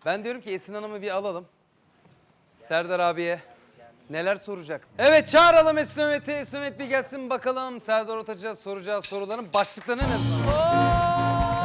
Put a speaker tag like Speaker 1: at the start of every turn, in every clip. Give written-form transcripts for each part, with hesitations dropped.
Speaker 1: Ben diyorum ki Esin Hanım'ı bir alalım. Serdar abiye neler soracak? Evet, çağıralım Esin Ömet'i. Esin Ömet bir gelsin bakalım. Serdar Ortaç'a soracağı soruların başlıklarını ne zaman?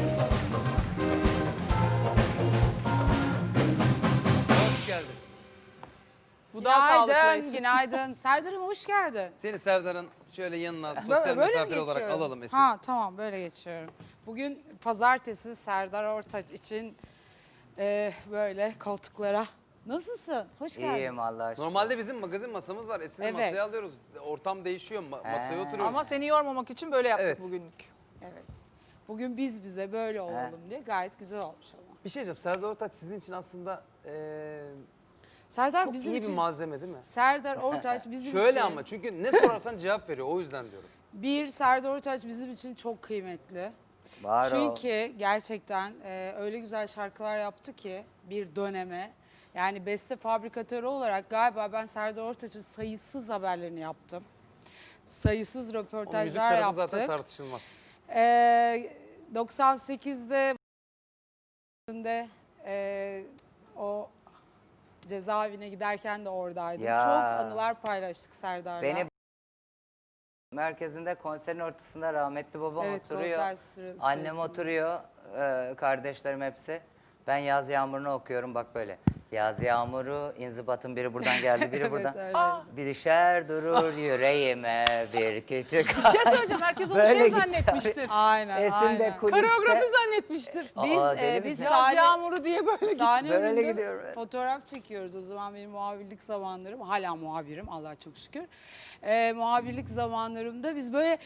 Speaker 1: Hoş geldin.
Speaker 2: Bu daha sağlıklı.
Speaker 3: Günaydın, günaydın. Serdar'ım hoş geldin.
Speaker 1: Seni Serdar'ın şöyle yanına sosyal
Speaker 3: Böyle mi
Speaker 1: misafir olarak
Speaker 3: geçiyorum?
Speaker 1: alalım Esin.
Speaker 3: Ha tamam böyle geçiyorum. Bugün pazartesi Serdar Ortaç için böyle koltuklara. Nasılsın? Hoş geldin.
Speaker 4: İyiyim Allah aşkına.
Speaker 1: Normalde bizim magazin masamız var. Esin'i
Speaker 3: Evet.
Speaker 1: masaya alıyoruz. Ortam değişiyor. Masaya oturuyoruz.
Speaker 2: Ama seni yormamak için böyle yaptık
Speaker 1: Evet.
Speaker 2: bugünlük.
Speaker 3: Evet. Bugün biz bize böyle olalım diye gayet güzel olmuş ama.
Speaker 1: Bir şey diyeceğim. Serdar Ortaç sizin için aslında
Speaker 3: Serdar
Speaker 1: çok
Speaker 3: bizim
Speaker 1: iyi
Speaker 3: için
Speaker 1: bir malzeme değil mi?
Speaker 3: Serdar Ortaç bizim
Speaker 1: Şöyle
Speaker 3: için
Speaker 1: ama çünkü ne sorarsan cevap veriyor. O yüzden diyorum.
Speaker 3: Serdar Ortaç bizim için çok kıymetli.
Speaker 4: Var o.
Speaker 3: Çünkü gerçekten öyle güzel şarkılar yaptı ki bir döneme. Yani beste fabrikatörü olarak galiba ben Serdar Ortaç'ın sayısız haberlerini yaptım. Sayısız
Speaker 1: O müzik
Speaker 3: röportajlar
Speaker 1: tarafı zaten
Speaker 3: yaptık.
Speaker 1: tartışılmaz.
Speaker 3: 98'de o cezaevine giderken de oradaydım.
Speaker 4: Ya.
Speaker 3: Çok anılar paylaştık Serdar'la.
Speaker 4: Beni merkezinde konserin ortasında rahmetli babam
Speaker 3: Evet,
Speaker 4: oturuyor.
Speaker 3: konser sırasında.
Speaker 4: Annem oturuyor. Kardeşlerim hepsi. Ben Yaz Yağmuru'nu okuyorum bak böyle. Yaz Yağmuru, inzibatın biri buradan geldi, biri buradan.
Speaker 3: öyleydi.
Speaker 4: Bir düşer durur yüreğime bir küçük.
Speaker 2: Bir şey söyleyeceğim. Herkes onu
Speaker 4: Böyle
Speaker 2: şey
Speaker 4: gitti
Speaker 2: zannetmiştir.
Speaker 3: Aynen,
Speaker 4: Esin de
Speaker 3: aynen.
Speaker 4: kuliste.
Speaker 2: Koreografi zannetmiştir.
Speaker 3: Biz,
Speaker 4: deli
Speaker 3: biz
Speaker 4: misin?
Speaker 2: Yaz
Speaker 3: sahne,
Speaker 2: yağmuru diye böyle gitti.
Speaker 3: sahne
Speaker 4: Böyle
Speaker 3: önünde
Speaker 4: gidiyorum, evet.
Speaker 3: fotoğraf çekiyoruz. O zaman benim muhabirlik zamanlarım, hala muhabirim Allah'a çok şükür. Muhabirlik zamanlarımda biz böyle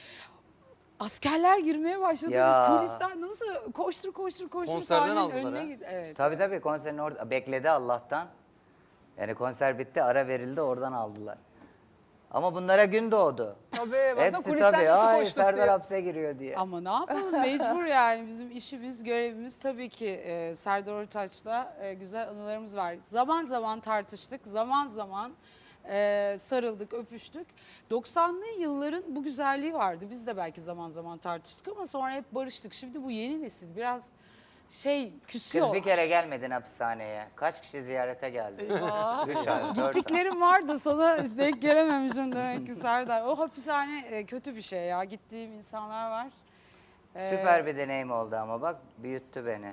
Speaker 3: askerler girmeye başladı.
Speaker 4: Ya.
Speaker 3: Biz kulisten nasıl koştur
Speaker 1: Konserden
Speaker 3: sahnenin
Speaker 1: aldılar
Speaker 3: önüne
Speaker 1: ha.
Speaker 3: git. Evet.
Speaker 4: Tabii konserin orada bekledi Allah'tan. Yani konser bitti, ara verildi, oradan aldılar. Ama bunlara gün doğdu.
Speaker 2: Tabii. Baksana
Speaker 4: Hepsi
Speaker 2: kulisten
Speaker 4: tabii.
Speaker 2: nasıl
Speaker 4: Ay
Speaker 2: koştuk
Speaker 4: Serdar
Speaker 2: diye.
Speaker 4: hapse giriyor diye.
Speaker 3: Ama ne yapalım mecbur yani bizim işimiz, görevimiz tabii ki Serdar Ortaç'la güzel anılarımız var. Zaman zaman tartıştık, zaman zaman sarıldık, öpüştük. 90'lı yılların bu güzelliği vardı. Biz de belki zaman zaman tartıştık ama sonra hep barıştık. Şimdi bu yeni nesil biraz küsüyor.
Speaker 4: Kız bir kere gelmedin hapishaneye. Kaç kişi ziyarete geldi?
Speaker 2: Eyvah.
Speaker 4: 3 ay, 4 ay.
Speaker 3: Gittiklerim vardı sana denk gelememişim demek ki Serdar. O hapishane kötü bir şey ya. Gittiğim insanlar var.
Speaker 4: Süper bir deneyim oldu ama bak büyüttü beni.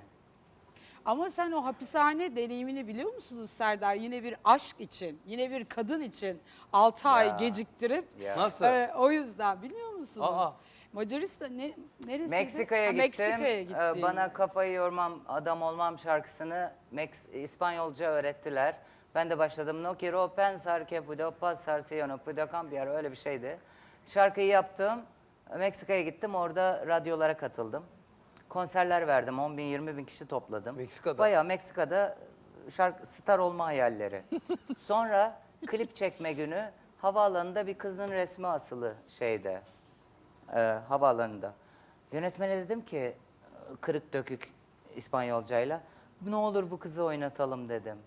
Speaker 3: Ama sen o hapishane deneyimini biliyor musunuz Serdar? Yine bir aşk için, yine bir kadın için 6 ay geciktirip
Speaker 4: Ya.
Speaker 1: Nasıl?
Speaker 3: o yüzden biliyor musunuz?
Speaker 1: Aa.
Speaker 3: Macaristan neresiydi?
Speaker 4: Meksika'ya
Speaker 3: Ha,
Speaker 4: gittim.
Speaker 3: Meksika'ya gittin.
Speaker 4: Bana kafayı yormam, adam olmam şarkısını İspanyolca öğrettiler. Ben de başladım. No quiero pensar que puedo pasar si yo no puedo cambiar. Öyle bir şeydi. Şarkıyı yaptım. Meksika'ya gittim. Orada radyolara katıldım. Konserler verdim. 10 bin, 20 bin kişi topladım.
Speaker 1: Meksika'da?
Speaker 4: Bayağı Meksika'da star olma hayalleri. Sonra klip çekme günü havaalanında bir kızın resmi asılı şeyde. Havaalanında. Yönetmene dedim ki kırık dökük İspanyolcayla ne olur bu kızı oynatalım dedim.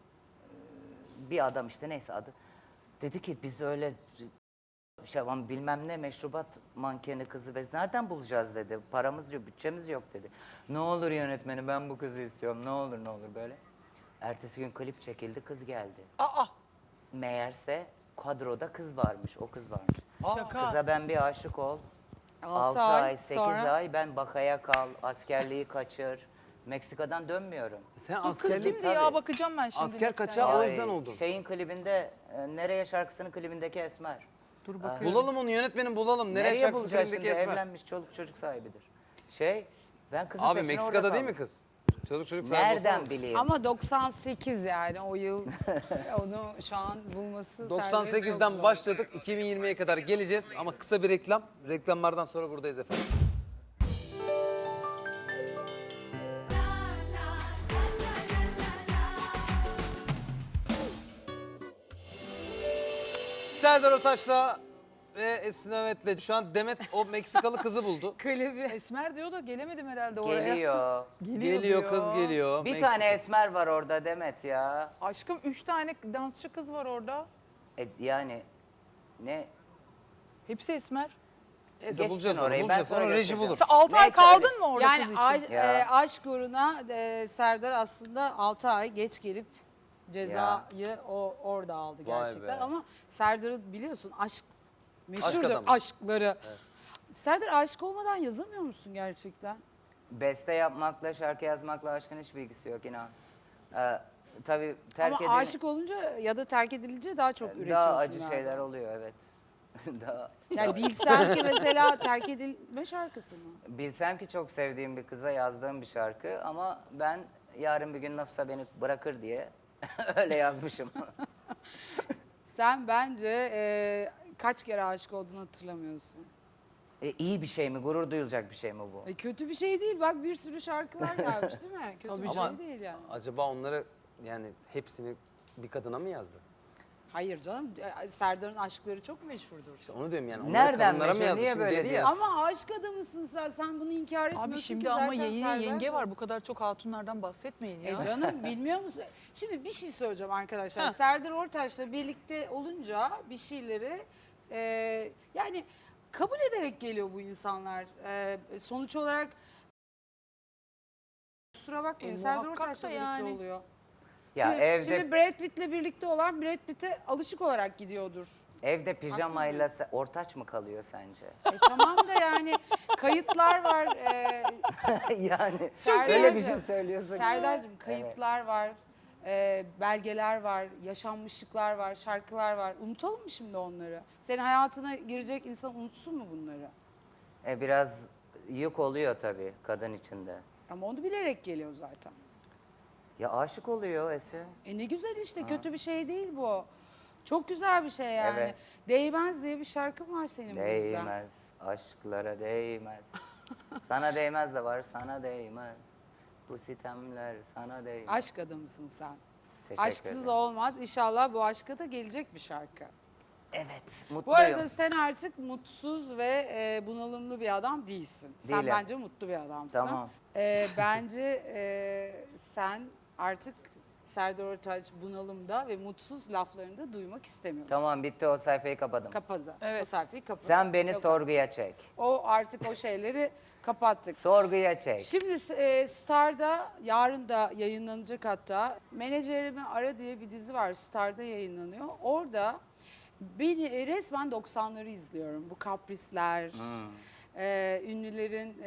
Speaker 4: Bir adam işte neyse adı. Dedi ki biz öyle bilmem ne meşrubat mankeni kızı ve nereden bulacağız dedi. Paramız yok, bütçemiz yok dedi. Ne olur yönetmenim ben bu kızı istiyorum ne olur böyle. Ertesi gün klip çekildi kız geldi.
Speaker 2: Aa.
Speaker 4: Meğerse kadroda kız varmış o kız varmış.
Speaker 2: Şaka.
Speaker 4: Kıza ben bir aşık ol.
Speaker 3: 6
Speaker 4: 6 ay, 8
Speaker 3: sonra
Speaker 4: ay ben bakaya kal, askerliği kaçır. Meksika'dan dönmüyorum.
Speaker 1: Sen
Speaker 2: Kız
Speaker 1: askerlik,
Speaker 2: kimdi
Speaker 4: tabii.
Speaker 2: ya? Bakacağım ben şimdi.
Speaker 1: asker kaçağı o
Speaker 4: Ay,
Speaker 1: yüzden oldun.
Speaker 4: Şeyin klibinde, Nereye şarkısının klibindeki Esmer.
Speaker 2: Dur bakıyorum.
Speaker 1: Bulalım onu, yönetmenin bulalım. Nereye
Speaker 4: Nereye
Speaker 1: şarkısı
Speaker 4: bulacağız şimdi?
Speaker 1: filmindeki Esmer?
Speaker 4: Evlenmiş, çoluk çocuk sahibidir. Ben kızın
Speaker 1: Abi
Speaker 4: peşine
Speaker 1: Meksika'da
Speaker 4: orada
Speaker 1: değil mi
Speaker 4: kaldım.
Speaker 1: kız? Çocuk sahibi olsa
Speaker 4: Nereden
Speaker 1: olur.
Speaker 4: bileyim?
Speaker 3: ama 98 yani o yıl onu şu an bulması Serdar'ın çok
Speaker 1: 98'den
Speaker 3: zor.
Speaker 1: başladık. 2020'ye kadar geleceğiz ama kısa bir reklam. Reklamlardan sonra buradayız efendim. Serdar Ortaç'la ve Esin Ömet'le şu an Demet o Meksikalı kızı buldu.
Speaker 3: Klibi.
Speaker 2: Esmer diyor da gelemedim herhalde oraya.
Speaker 4: Geliyor.
Speaker 1: Geliyor
Speaker 2: diyor.
Speaker 1: kız geliyor.
Speaker 4: Bir
Speaker 1: Meksika.
Speaker 4: tane Esmer var orada Demet ya.
Speaker 2: Aşkım 3 tane dansçı kız var orada.
Speaker 4: Yani ne?
Speaker 2: Hepsi Esmer.
Speaker 1: Neyse
Speaker 4: Geçtin
Speaker 1: bulacağız onu,
Speaker 4: orayı, ben
Speaker 1: bulacağız.
Speaker 4: sonra
Speaker 1: Onu reji
Speaker 4: göstereceğim.
Speaker 1: bulur.
Speaker 2: Sen 6 ay
Speaker 4: Neyse,
Speaker 2: kaldın
Speaker 4: öyle.
Speaker 2: mı orada
Speaker 3: Yani
Speaker 2: kız için?
Speaker 4: Ya.
Speaker 3: aşk uğruna Serdar aslında 6 ay geç gelip cezayı orada aldı
Speaker 1: Vay
Speaker 3: gerçekten.
Speaker 1: be.
Speaker 3: Ama Serdar'ı biliyorsun aşk meşhurdur
Speaker 1: adamı.
Speaker 3: aşkları. Serdar aşık olmadan yazamıyor musun gerçekten?
Speaker 4: Beste yapmakla, şarkı yazmakla aşkın hiçbir ilgisi yok inan. Tabii terk
Speaker 3: Ama aşık olunca ya da terk edilince daha çok üretiyorsun.
Speaker 4: daha acı
Speaker 3: galiba.
Speaker 4: şeyler oluyor evet. daha
Speaker 3: Yani bilsem ki mesela terk edilme şarkısı mı?
Speaker 4: bilsem ki çok sevdiğim bir kıza yazdığım bir şarkı ama ben yarın bir gün nasılsa beni bırakır diye öyle yazmışım.
Speaker 3: Sen bence kaç kere aşık olduğunu hatırlamıyorsun.
Speaker 4: İyi bir şey mi? Gurur duyulacak bir şey mi bu?
Speaker 3: Kötü bir şey değil. Bak bir sürü şarkılar gelmiş değil mi? Kötü
Speaker 2: Tabii
Speaker 3: bir
Speaker 1: Ama
Speaker 3: şey değil yani.
Speaker 1: acaba onları yani hepsini bir kadına mı yazdı?
Speaker 3: Hayır canım. Serdar'ın aşkları çok meşhurdur.
Speaker 1: İşte onu diyorum yani. Onları
Speaker 4: Nereden
Speaker 1: kadınlara mı
Speaker 4: meşhur?
Speaker 1: yazdı?
Speaker 4: Niye
Speaker 1: Şimdi
Speaker 4: böyle
Speaker 1: dedi ya.
Speaker 4: diyorsun?
Speaker 3: Ama aşk adamısın sen. Sen bunu inkar etmiyorsun
Speaker 2: Abi şimdi
Speaker 3: ki
Speaker 2: ama
Speaker 3: zaten
Speaker 2: yenge
Speaker 3: Serdar'cığım.
Speaker 2: var. Bu kadar çok hatunlardan bahsetmeyin ya.
Speaker 3: Canım bilmiyor musun? Şimdi bir şey söyleyeceğim arkadaşlar.
Speaker 2: Ha.
Speaker 3: Serdar Ortaç'la birlikte olunca bir şeyleri yani kabul ederek geliyor bu insanlar. Sonuç olarak kusura bakmayın Serdar
Speaker 2: muhakkak
Speaker 3: Ortaç'la
Speaker 2: da
Speaker 3: birlikte
Speaker 2: yani.
Speaker 3: oluyor.
Speaker 4: Ya
Speaker 3: Şimdi Brad Pitt'le birlikte olan Brad Pitt'e alışık olarak gidiyordur.
Speaker 4: evde pijamayla ortaç mı kalıyor sence?
Speaker 3: Tamam da yani kayıtlar var.
Speaker 4: Yani
Speaker 3: Serdar'cığım,
Speaker 4: öyle bir şey söylüyorsun.
Speaker 3: Serdar'cığım kayıtlar var. Belgeler var, yaşanmışlıklar var, şarkılar var. Unutalım mı şimdi onları? Senin hayatına girecek insan unutsun mu bunları?
Speaker 4: Biraz yük oluyor tabii kadın içinde.
Speaker 3: Ama onu bilerek geliyor zaten.
Speaker 4: Ya aşık oluyor Ese.
Speaker 3: Ne güzel işte kötü bir şey değil bu. Çok güzel bir şey yani.
Speaker 4: Evet.
Speaker 3: Değmez diye bir şarkın var senin bu yüzden.
Speaker 4: Değmez, aşklara değmez. Sana değmez de var, sana değmez. Bu sitemler sana değmez.
Speaker 3: Aşk adamısın sen.
Speaker 4: Teşekkür
Speaker 3: Aşksız
Speaker 4: ederim.
Speaker 3: olmaz. İnşallah bu aşka da gelecek bir şarkı.
Speaker 4: Evet,
Speaker 3: Bu
Speaker 4: mutluyum.
Speaker 3: arada sen artık mutsuz ve bunalımlı bir adam değilsin. Sen
Speaker 4: Değilim.
Speaker 3: bence mutlu bir adamsın.
Speaker 4: Tamam.
Speaker 3: Bence sen artık Serdar Ortaç bunalımda ve mutsuz laflarını da duymak istemiyorsun.
Speaker 4: Tamam bitti o sayfayı kapadım.
Speaker 3: Kapadı.
Speaker 2: Evet.
Speaker 3: O sayfayı kapadı.
Speaker 4: Sen beni
Speaker 3: Yok,
Speaker 4: sorguya çek.
Speaker 3: O artık o şeyleri kapattık.
Speaker 4: Sorguya çek.
Speaker 3: Şimdi Star'da yarın da yayınlanacak hatta Menajerimi Ara diye bir dizi var Star'da yayınlanıyor. Orada beni resmen 90'ları izliyorum. Bu kaprisler, ünlülerin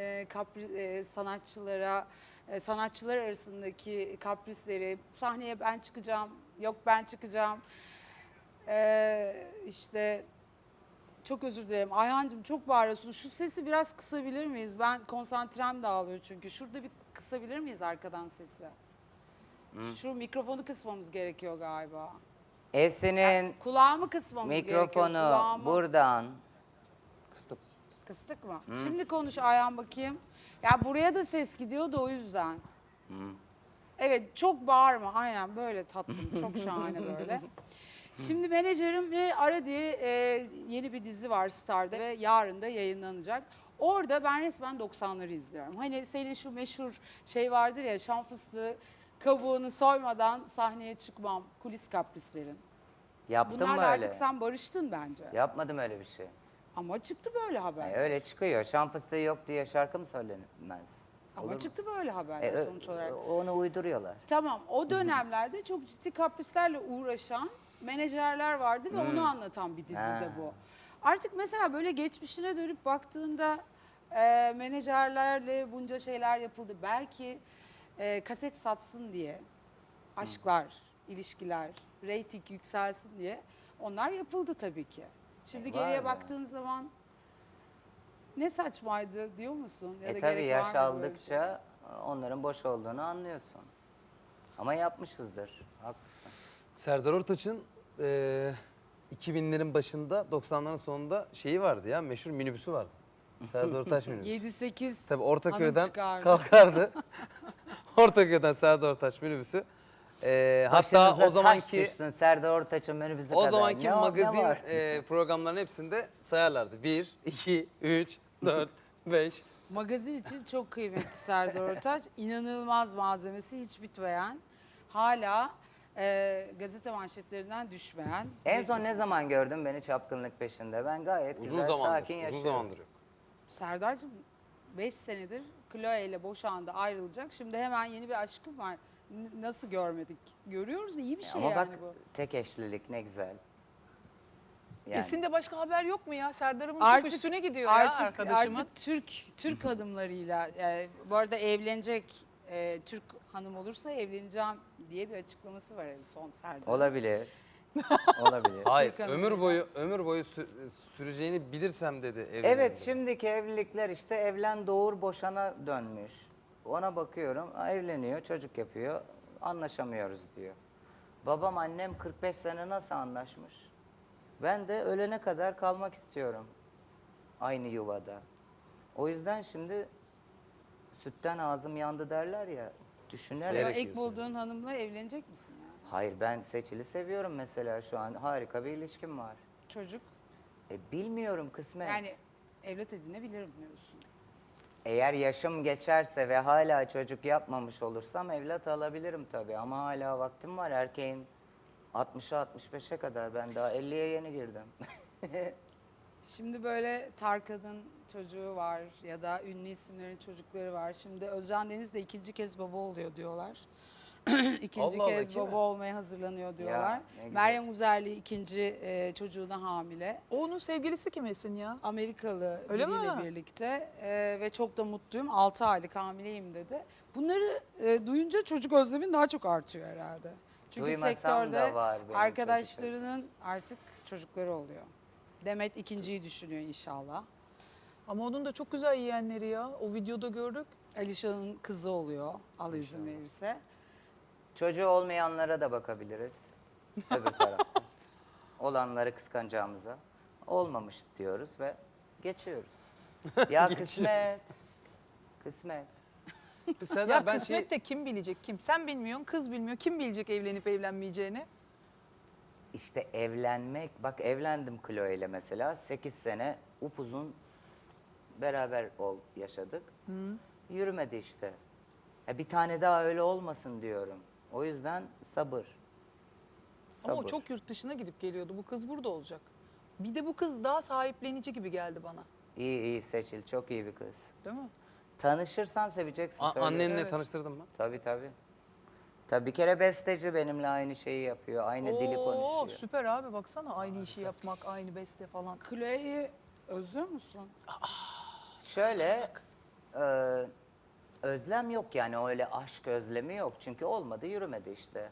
Speaker 3: sanatçılar arasındaki kaprisleri, sahneye ben çıkacağım, yok ben çıkacağım. İşte çok özür dilerim. Ayhancığım çok bağırıyorsun. Şu sesi biraz kısabilir miyiz? Ben konsantrem dağılıyor çünkü. Şurada bir kısabilir miyiz arkadan sesi? Şu mikrofonu kısmamız gerekiyor galiba.
Speaker 4: Esin'in
Speaker 3: Kulağımı kısmamız gerekiyor.
Speaker 4: mikrofonu
Speaker 3: Kulağımı.
Speaker 4: buradan.
Speaker 1: Kıstım.
Speaker 3: Kıstık mı? Şimdi konuş Ayhan bakayım. Ya buraya da ses gidiyor da o yüzden. Evet çok bağırma. Aynen böyle tatlım. Çok şahane böyle. Şimdi Menajerim ve Ara diye yeni bir dizi var Star'da ve yarın da yayınlanacak. Orada ben resmen 90'ları izliyorum. Hani senin şu meşhur şey vardır ya şan fıstığı kabuğunu soymadan sahneye çıkmam. Kulis kaprislerin.
Speaker 4: Yaptın mı
Speaker 3: Bunlarla
Speaker 4: öyle?
Speaker 3: artık sen barıştın bence.
Speaker 4: Yapmadım öyle bir şey.
Speaker 3: Ama çıktı böyle haber.
Speaker 4: Öyle çıkıyor. Şan fıstığı yok diye şarkı mı söylenmez?
Speaker 3: Ama
Speaker 4: Olur mu?
Speaker 3: çıktı böyle haberler sonuç olarak.
Speaker 4: Onu uyduruyorlar.
Speaker 3: Tamam o dönemlerde çok ciddi kaprislerle uğraşan menajerler vardı ve onu anlatan bir dizide
Speaker 4: Ha.
Speaker 3: bu. Artık mesela böyle geçmişine dönüp baktığında menajerlerle bunca şeyler yapıldı. Belki kaset satsın diye aşklar, ilişkiler, reyting yükselsin diye onlar yapıldı tabii ki. Şimdi
Speaker 4: Var
Speaker 3: geriye
Speaker 4: ya.
Speaker 3: baktığın zaman ne saçmaydı diyor musun? Ya da
Speaker 4: Tabii
Speaker 3: gerek
Speaker 4: yaş
Speaker 3: var mı böyle bir şey?
Speaker 4: aldıkça onların boş olduğunu anlıyorsun. Ama yapmışızdır. Haklısın.
Speaker 1: Serdar Ortaç'ın 2000'lerin başında 90'ların sonunda şeyi vardı ya meşhur minibüsü vardı. Serdar Ortaç minibüsü.
Speaker 3: 7-8
Speaker 1: Tabii
Speaker 3: hanım
Speaker 1: Ortaköy'den
Speaker 3: çıkardı.
Speaker 1: kalkardı. Ortaköy'den Serdar Ortaç minibüsü. Hatta
Speaker 4: Başınıza
Speaker 1: o
Speaker 4: taş
Speaker 1: zamanki
Speaker 4: düşsün Serdar Ortaç'ın minibüsü
Speaker 1: o
Speaker 4: kadar.
Speaker 1: zamanki
Speaker 4: Ne
Speaker 1: magazin
Speaker 4: var?
Speaker 1: programların hepsinde sayarlardı. 1, 2, 3, 4, 5.
Speaker 3: Magazin için çok kıymetli Serdar Ortaç. İnanılmaz malzemesi hiç bitmeyen. Hala gazete manşetlerinden düşmeyen.
Speaker 4: En
Speaker 3: bir
Speaker 4: son ne
Speaker 3: isim.
Speaker 4: zaman gördün beni çapkınlık peşinde? Ben gayet
Speaker 1: Uzun
Speaker 4: güzel,
Speaker 1: zamandır.
Speaker 4: sakin
Speaker 1: Uzun
Speaker 4: yaşıyorum.
Speaker 1: zamandır yok.
Speaker 3: Serdar'cığım 5 senedir Chloe ile boşandı, ayrılacak. Şimdi hemen yeni bir aşkım var. Nasıl görmedik? Görüyoruz, iyi bir şey
Speaker 4: Ama bak
Speaker 3: yani bu.
Speaker 4: tek eşlilik ne güzel. Yani.
Speaker 2: Esin'de başka haber yok mu ya? Serdar'ımın çok
Speaker 3: Artık-
Speaker 2: üstüne gidiyor ya
Speaker 3: Artık
Speaker 2: arkadaşımın.
Speaker 3: artık Türk hanımlarıyla bu arada evlenecek Türk hanım olursa evleneceğim diye bir açıklaması var en son Serdar.
Speaker 4: Olabilir. Olabilir.
Speaker 1: Hayır,
Speaker 3: Türk
Speaker 1: ömür boyu süreceğini bilirsem dedi evliliğinde.
Speaker 4: Evet, şimdiki evlilikler işte evlen doğur boşana dönmüş. Ona bakıyorum, evleniyor, çocuk yapıyor, anlaşamıyoruz diyor. Babam annem 45 sene nasıl anlaşmış? Ben de ölene kadar kalmak istiyorum aynı yuvada. O yüzden şimdi sütten ağzım yandı derler ya, düşünerek.
Speaker 3: Sonra
Speaker 1: Gerek
Speaker 3: ilk bulduğun hanımla evlenecek misin yani?
Speaker 4: Hayır, ben Seçil'i seviyorum mesela, şu an harika bir ilişkim var.
Speaker 3: Çocuk
Speaker 4: Bilmiyorum, kısmet.
Speaker 3: yani evlat edinebilirim diyorsun.
Speaker 4: Eğer yaşım geçerse ve hala çocuk yapmamış olursam evlat alabilirim tabii. Ama hala vaktim var, erkeğin 60'a 65'e kadar, ben daha 50'ye yeni girdim.
Speaker 3: Şimdi böyle Tarkan'ın çocuğu var ya da ünlü isimlerin çocukları var. Şimdi Özcan Deniz de ikinci kez baba oluyor diyorlar. İkinci
Speaker 1: Allah Allah,
Speaker 3: kez
Speaker 1: kim
Speaker 3: baba
Speaker 1: o?
Speaker 3: olmaya hazırlanıyor diyorlar.
Speaker 4: ne güzel.
Speaker 3: Meryem Uzerli ikinci çocuğuna hamile.
Speaker 2: O onun sevgilisi kim Esin ya?
Speaker 3: Amerikalı
Speaker 2: Öyle
Speaker 3: biriyle
Speaker 2: mi?
Speaker 3: birlikte ve çok da mutluyum. 6 aylık hamileyim dedi. Bunları duyunca çocuk özlemin daha çok artıyor herhalde. Çünkü
Speaker 4: Duymasam
Speaker 3: sektörde
Speaker 4: da var benim
Speaker 3: arkadaşlarının artık çocukları oluyor. Demet ikinciyi düşünüyor inşallah.
Speaker 2: Ama onun da çok güzel yeğenleri ya. O videoda gördük.
Speaker 3: Alişan'ın kızı oluyor. Allah izin verirse.
Speaker 4: Çocuğu olmayanlara da bakabiliriz. Öbür tarafta. Olanları kıskanacağımıza. Olmamış diyoruz ve geçiyoruz. Ya kısmet. Kısmet.
Speaker 1: Serdar,
Speaker 2: Ya
Speaker 1: ben
Speaker 2: kısmet de kim bilecek kim? Sen bilmiyorsun, kız bilmiyor. Kim bilecek evlenip evlenmeyeceğini?
Speaker 4: İşte evlenmek, bak evlendim Chloe ile mesela, 8 sene upuzun beraber yaşadık. Yürümedi işte. Bir tane daha öyle olmasın diyorum. O yüzden sabır. Sabır.
Speaker 2: Ama o çok yurt dışına gidip geliyordu. Bu kız burada olacak. Bir de bu kız daha sahiplenici gibi geldi bana.
Speaker 4: İyi iyi Seçil, çok iyi bir kız.
Speaker 2: Değil mi?
Speaker 4: Tanışırsan seveceksin. söyle.
Speaker 1: annenle
Speaker 2: Evet.
Speaker 1: tanıştırdın mı?
Speaker 4: Tabii tabii. Tabii bir kere besteci, benimle aynı şeyi yapıyor. Aynı dili
Speaker 2: Oo,
Speaker 4: konuşuyor.
Speaker 2: süper abi baksana aynı işi yapmak, aynı beste falan.
Speaker 3: Chloe'yi özlüyor musun?
Speaker 4: Şöyle özlem yok yani, öyle aşk özlemi yok. Çünkü olmadı, yürümedi işte.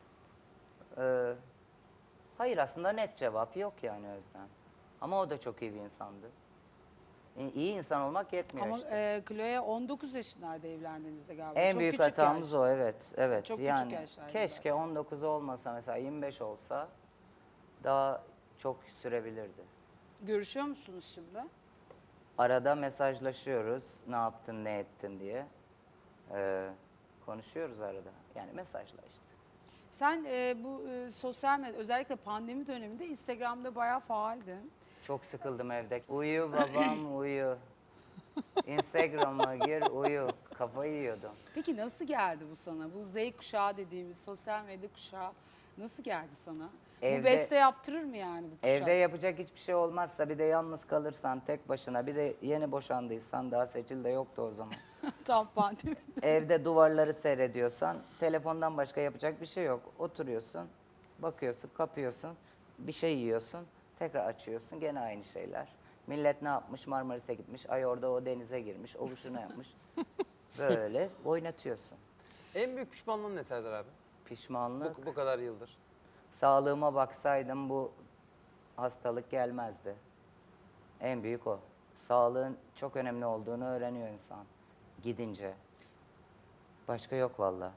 Speaker 4: Hayır, aslında net cevap yok yani Özlem. Ama o da çok iyi bir insandı. İyi insan olmak yetmiyor
Speaker 3: Ama
Speaker 4: işte.
Speaker 3: Chloe 19 yaşındaydı evlendiğinizde galiba.
Speaker 4: En
Speaker 3: Çok
Speaker 4: büyük
Speaker 3: küçük
Speaker 4: hatamız
Speaker 3: yaş.
Speaker 4: o, evet. Evet.
Speaker 3: Çok küçük
Speaker 4: yani
Speaker 3: yaşlarda
Speaker 4: keşke 19 olmasa, mesela 25 olsa daha çok sürebilirdi.
Speaker 3: Görüşüyor musunuz şimdi?
Speaker 4: Arada mesajlaşıyoruz, ne yaptın, ne ettin diye. Konuşuyoruz arada. Yani mesajla işte.
Speaker 3: Sen bu sosyal medya, özellikle pandemi döneminde Instagram'da bayağı faaldin.
Speaker 4: Çok sıkıldım evde. Uyu babam uyu. Instagram'a gir uyu. Kafayı yiyordum.
Speaker 3: Peki nasıl geldi bu sana? Bu Z kuşağı dediğimiz sosyal medya kuşağı nasıl geldi sana? Bu
Speaker 4: Evde-
Speaker 3: beste yaptırır mı yani bu kuşak?
Speaker 4: Evde yapacak hiçbir şey olmazsa, bir de yalnız kalırsan tek başına, bir de yeni boşandıysan, daha Seçil de yoktu o zaman.
Speaker 3: Tam pandemi.
Speaker 4: Evde duvarları seyrediyorsan telefondan başka yapacak bir şey yok. Oturuyorsun, bakıyorsun, kapıyorsun, bir şey yiyorsun, tekrar açıyorsun, gene aynı şeyler. Millet ne yapmış? Marmaris'e gitmiş, ay orada o denize girmiş, o şunu yapmış. Böyle oynatıyorsun.
Speaker 1: En büyük pişmanlığın ne Serdar abi?
Speaker 4: Pişmanlık.
Speaker 1: Bu kadar yıldır.
Speaker 4: Sağlığıma baksaydım bu hastalık gelmezdi. En büyük o. Sağlığın çok önemli olduğunu öğreniyor insan gidince. Başka yok valla.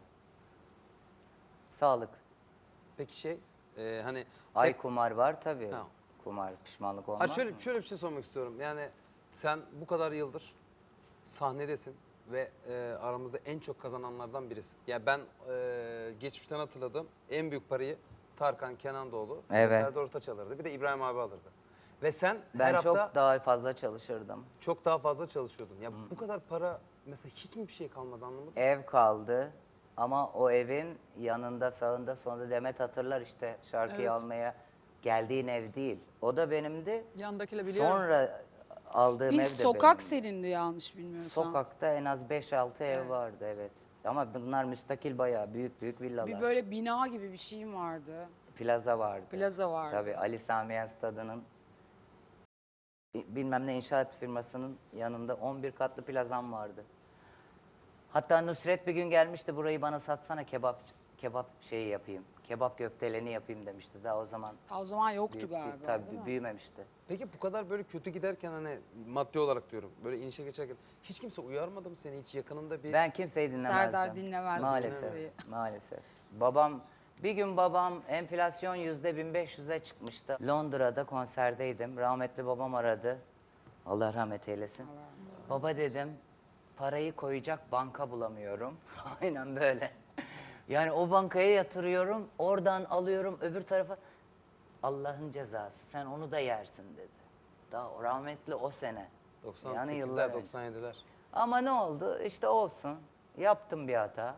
Speaker 4: Sağlık.
Speaker 1: Peki hani
Speaker 4: Ay kumar var tabii.
Speaker 1: Ha.
Speaker 4: Kumar pişmanlık
Speaker 1: Ha,
Speaker 4: olmaz
Speaker 1: şöyle,
Speaker 4: mı?
Speaker 1: şöyle bir şey sormak istiyorum. Yani sen bu kadar yıldır sahnedesin ve aramızda en çok kazananlardan birisin. Ya ben geçmişten hatırladığım en büyük parayı Tarkan, Kenan Doğulu,
Speaker 4: Evet.
Speaker 1: Serdar Ortaç alırdı. Bir de İbrahim abi alırdı. Ve sen
Speaker 4: Ben
Speaker 1: her hafta
Speaker 4: çok daha fazla çalışırdım.
Speaker 1: çok daha fazla çalışıyordun. Ya bu kadar para mesela hiç mi bir şey kalmadı, anlamadım.
Speaker 4: Ev kaldı ama o evin yanında, sağında, sonunda Demet hatırlar işte şarkıyı
Speaker 2: Evet.
Speaker 4: almaya geldiğin ev değil. O da benimdi.
Speaker 2: Yandakiyle biliyorum.
Speaker 4: Sonra aldığım
Speaker 3: Bir
Speaker 4: ev de
Speaker 3: sokak
Speaker 4: benim.
Speaker 3: senindi yanlış bilmiyorsam.
Speaker 4: Sokakta en az 5-6 ev vardı, evet. Ama bunlar müstakil bayağı büyük büyük villalar.
Speaker 3: Bir böyle bina gibi bir şeyim vardı.
Speaker 4: Plaza vardı.
Speaker 3: Plaza vardı.
Speaker 4: Tabii Ali Sami Yen Stadı'nın bilmem ne inşaat firmasının yanında 11 katlı plazam vardı. Hatta Nusret bir gün gelmişti, burayı bana satsana, kebap şeyi yapayım. Kebap gökdeleni yapayım demişti. Daha o zaman
Speaker 3: O zaman yoktu
Speaker 4: büyük,
Speaker 3: galiba
Speaker 4: tabii
Speaker 3: değil mi?
Speaker 4: büyümemişti.
Speaker 1: Peki bu kadar böyle kötü giderken hani maddi olarak diyorum böyle inişe geçerken hiç kimse uyarmadı mı seni, hiç yakınında bir...
Speaker 4: Ben kimseyi dinlemezdim.
Speaker 3: Serdar dinlemezdi
Speaker 4: Maalesef,
Speaker 3: kimseyi.
Speaker 4: maalesef. Bir gün babam enflasyon %1500'e çıkmıştı. Londra'da konserdeydim. Rahmetli babam aradı. Allah rahmet eylesin. Baba dedim, parayı koyacak banka bulamıyorum. Aynen böyle. Yani o bankaya yatırıyorum, oradan alıyorum öbür tarafa. Allah'ın cezası, sen onu da yersin dedi. Daha rahmetli o sene.
Speaker 1: 98'ler,
Speaker 4: Yani yıllar önce.
Speaker 1: 97'ler.
Speaker 4: Ama ne oldu? İşte olsun. Yaptım bir hata.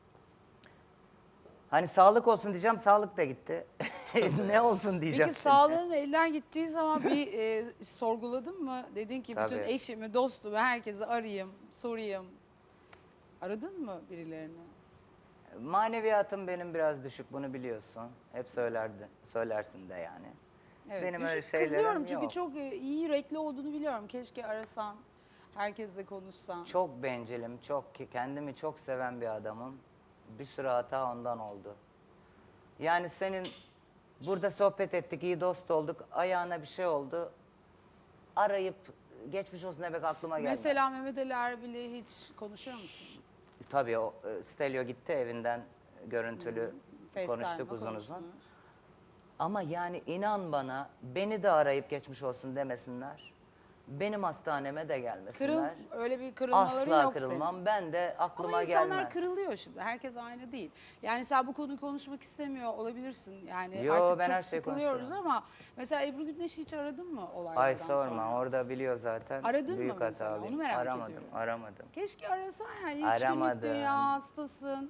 Speaker 4: Hani sağlık olsun diyeceğim, sağlık da gitti. Ne olsun diyeceğim.
Speaker 3: Peki sağlığın elden gittiği zaman bir sorguladın mı? Dedin ki bütün
Speaker 4: Tabii.
Speaker 3: eşimi, dostumu, herkesi arayayım, sorayım. Aradın mı birilerini?
Speaker 4: Maneviyatım benim biraz düşük, bunu biliyorsun. Hep söylersin de yani.
Speaker 3: Evet,
Speaker 4: Benim
Speaker 3: düşün-
Speaker 4: öyle şeylerim
Speaker 3: Kızıyorum çünkü
Speaker 4: yok.
Speaker 3: çok iyi yürekli olduğunu biliyorum. Keşke arasan, herkesle konuşsan.
Speaker 4: Çok bencilim, kendimi çok seven bir adamım. Bir sürü hata ondan oldu. Yani senin burada sohbet ettik, iyi dost olduk. Ayağına bir şey oldu. Arayıp geçmiş olsun demek aklıma gelmedi.
Speaker 3: Mesela Mehmet Ali Erbil'i hiç konuşuyor musun?
Speaker 4: Tabii o Stelio gitti evinden görüntülü
Speaker 3: FaceTime'da
Speaker 4: konuştuk uzun uzun.
Speaker 3: konuştunuz.
Speaker 4: Ama yani inan bana, beni de arayıp geçmiş olsun demesinler. Benim hastaneme de gelmesinler.
Speaker 3: Öyle bir kırılmaları
Speaker 4: Asla
Speaker 3: yok
Speaker 4: kırılmam.
Speaker 3: senin.
Speaker 4: Ben de aklıma
Speaker 3: Ama insanlar
Speaker 4: gelmez.
Speaker 3: kırılıyor şimdi. Herkes aynı değil. Yani sen bu konuyu konuşmak istemiyor olabilirsin. Yani
Speaker 4: Yo,
Speaker 3: artık
Speaker 4: ben
Speaker 3: çok
Speaker 4: her şeyi
Speaker 3: sıkılıyoruz
Speaker 4: konuşurum.
Speaker 3: ama mesela Ebru Gündeş'i hiç aradın mı olaylardan
Speaker 4: Ay sorma,
Speaker 3: sonra?
Speaker 4: orada biliyor zaten.
Speaker 3: Aradın mı
Speaker 4: Büyük
Speaker 3: mesela?
Speaker 4: hatalıyım.
Speaker 3: Onu merak
Speaker 4: aramadım,
Speaker 3: ediyorum.
Speaker 4: Aramadım.
Speaker 3: Keşke arasan yani. 3 günlük
Speaker 4: Aramadım.
Speaker 3: dünya hastasın.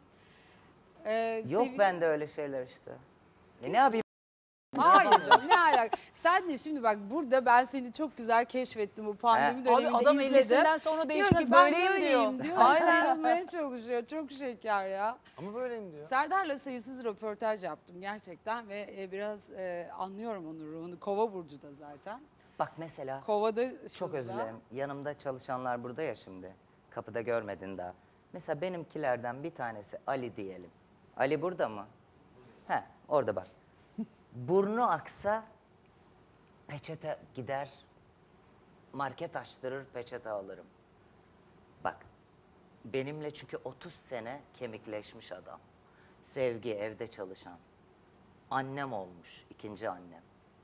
Speaker 4: Yok bende öyle şeyler işte. Ne yapayım?
Speaker 3: Hayır canım ne alaka? Sen de şimdi bak burada ben seni çok güzel keşfettim bu pandemi
Speaker 4: He.
Speaker 3: döneminde
Speaker 2: Abi adam
Speaker 3: izledim.
Speaker 2: 50'sinden sonra
Speaker 3: Diyor
Speaker 2: değişmez,
Speaker 3: ki ben
Speaker 2: böyleyim
Speaker 3: böyleyim
Speaker 2: diyor.
Speaker 3: diyor.
Speaker 2: Aynen.
Speaker 3: Sarılmaya çalışıyor. Çok şeker ya.
Speaker 1: Ama böyleyim diyor.
Speaker 3: Serdar'la sayısız röportaj yaptım gerçekten ve biraz anlıyorum onun ruhunu. Kova burcu da zaten.
Speaker 4: Bak mesela.
Speaker 3: Kovada
Speaker 4: Çok özür dilerim. Yanımda çalışanlar burada ya şimdi. Kapıda görmedin daha. Mesela benimkilerden bir tanesi Ali diyelim. Ali burada mı? He, orada bak. Burnu aksa peçete gider, market açtırır, peçete alırım. Bak, benimle çünkü 30 sene kemikleşmiş adam. Sevgi, evde çalışan. Annem olmuş, ikinci annem.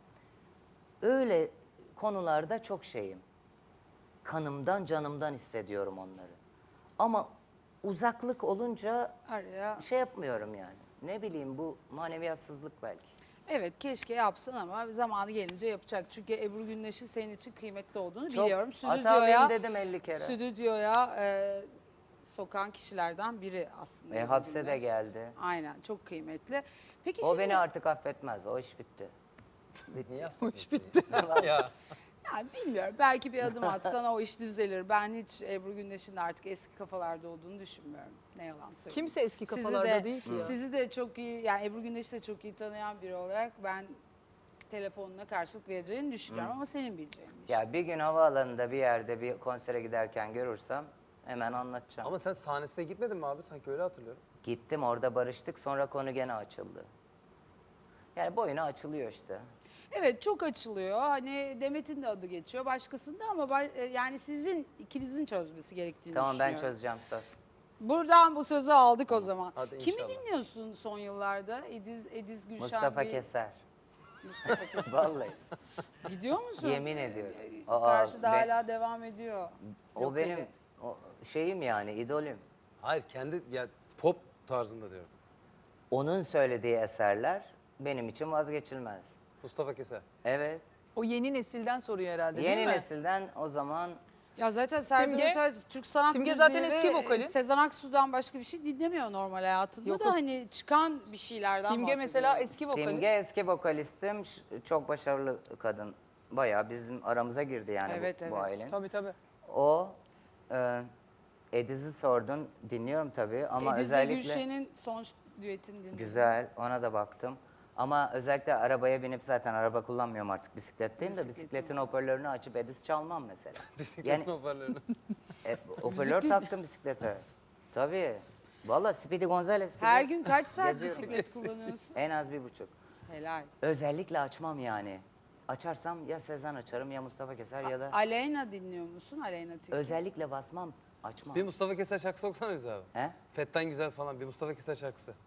Speaker 4: Öyle konularda çok şeyim. Kanımdan, canımdan hissediyorum onları. Ama uzaklık olunca
Speaker 3: araya.
Speaker 4: şey yapmıyorum yani. Ne bileyim, bu maneviyatsızlık belki.
Speaker 3: Evet keşke yapsın ama zamanı gelince yapacak. Çünkü Ebru Gündeş'in senin için kıymetli olduğunu
Speaker 4: Çok
Speaker 3: biliyorum.
Speaker 4: hatalıyım dedim 50 kere.
Speaker 3: Stüdyoya sokan kişilerden biri aslında. Ebru
Speaker 4: Hapse de
Speaker 3: Gündeş.
Speaker 4: geldi.
Speaker 3: Aynen çok kıymetli. Peki
Speaker 4: O
Speaker 3: şimdi
Speaker 4: beni artık affetmez. O iş bitti.
Speaker 1: Niye
Speaker 2: O iş bitti.
Speaker 1: ya.
Speaker 3: yani bilmiyorum belki bir adım atsan o iş düzelir. Ben hiç Ebru Gündeş'in de artık eski kafalarda olduğunu düşünmüyorum. Ne yalan söyleyeyim.
Speaker 2: Kimse eski
Speaker 3: Sizi
Speaker 2: kafalarda
Speaker 3: de-
Speaker 2: değil ki ya.
Speaker 3: Sizi de çok iyi yani Ebru Gündeş'i de çok iyi tanıyan biri olarak ben telefonuna karşılık vereceğini düşünüyorum ama senin bileceğin bir şey.
Speaker 4: Ya bir gün havaalanında bir yerde bir konsere giderken görürsem hemen anlatacağım.
Speaker 1: Ama sen sahnesine gitmedin mi abi? Sanki öyle hatırlıyorum.
Speaker 4: Gittim, orada barıştık, sonra konu gene açıldı. Yani boyuna açılıyor işte.
Speaker 3: Evet çok açılıyor. Hani Demet'in de adı geçiyor başkasında ama yani sizin ikinizin çözmesi gerektiğini
Speaker 4: Tamam, ben
Speaker 3: düşünüyorum.
Speaker 4: çözeceğim, söz.
Speaker 3: Buradan bu sözü aldık o zaman.
Speaker 1: Hadi
Speaker 3: Kimi
Speaker 1: inşallah.
Speaker 3: dinliyorsun son yıllarda? Ediz Gülşen
Speaker 4: Mustafa
Speaker 3: bir-
Speaker 4: Keser.
Speaker 3: Mustafa Keser.
Speaker 4: Vallahi.
Speaker 3: Gidiyor musun?
Speaker 4: Yemin ediyorum.
Speaker 3: Karşıda hala devam ediyor.
Speaker 4: O
Speaker 3: Yok
Speaker 4: benim
Speaker 3: öyle.
Speaker 4: şeyim yani, idolüm.
Speaker 1: Hayır kendi ya pop tarzında diyorum.
Speaker 4: Onun söylediği eserler benim için vazgeçilmez.
Speaker 1: Mustafa Keser.
Speaker 4: Evet.
Speaker 2: O yeni nesilden soruyor herhalde
Speaker 4: Yeni
Speaker 2: değil mi?
Speaker 4: nesilden o zaman
Speaker 3: Ya zaten Serdar
Speaker 2: Simge-
Speaker 3: Ortaç Türk sanat
Speaker 2: Simge
Speaker 3: müziği
Speaker 2: zaten
Speaker 3: ve
Speaker 2: eski vokali.
Speaker 3: Sezen Aksu'dan başka bir şey dinlemiyor normal hayatında
Speaker 2: Yok,
Speaker 3: da
Speaker 2: yok.
Speaker 3: hani çıkan bir şeylerden
Speaker 2: Simge
Speaker 3: bahsediyorum.
Speaker 2: mesela eski vokali.
Speaker 4: Simge eski vokalistim. Çok başarılı kadın. bayağı bizim aramıza girdi yani
Speaker 3: Evet,
Speaker 4: bu
Speaker 3: evet.
Speaker 4: ailenin.
Speaker 2: Tabii tabii.
Speaker 4: O Ediz'i sordun, dinliyorum tabii ama
Speaker 3: Ediz'le
Speaker 4: özellikle...
Speaker 3: Gülşen'in son düetini dinledim.
Speaker 4: Güzel, ona da baktım. Ama özellikle arabaya binip zaten araba kullanmıyorum artık bisikletteyim de
Speaker 3: Bisikletim
Speaker 4: bisikletin hoparlörünü açıp Ediz çalmam mesela.
Speaker 1: Bisikletin
Speaker 4: Yani
Speaker 1: hoparlörünü.
Speaker 4: hoparlör
Speaker 3: Müzik-
Speaker 4: taktım bisiklete. Tabii. Valla Speedy Gonzales gibi.
Speaker 3: Her gün kaç saat
Speaker 4: geziyorum.
Speaker 3: bisiklet kullanıyorsun?
Speaker 4: En az 1,5.
Speaker 3: Helal.
Speaker 4: Özellikle açmam yani. Açarsam ya Sezen açarım ya Mustafa Keser ya da...
Speaker 3: Aleyna dinliyor musun? Aleyna Tilki.
Speaker 4: Özellikle basmam, açmam.
Speaker 1: Bir Mustafa Keser şarkısı okusana bize abi.
Speaker 4: He?
Speaker 1: Fetten Güzel falan bir Mustafa Keser şarkısı.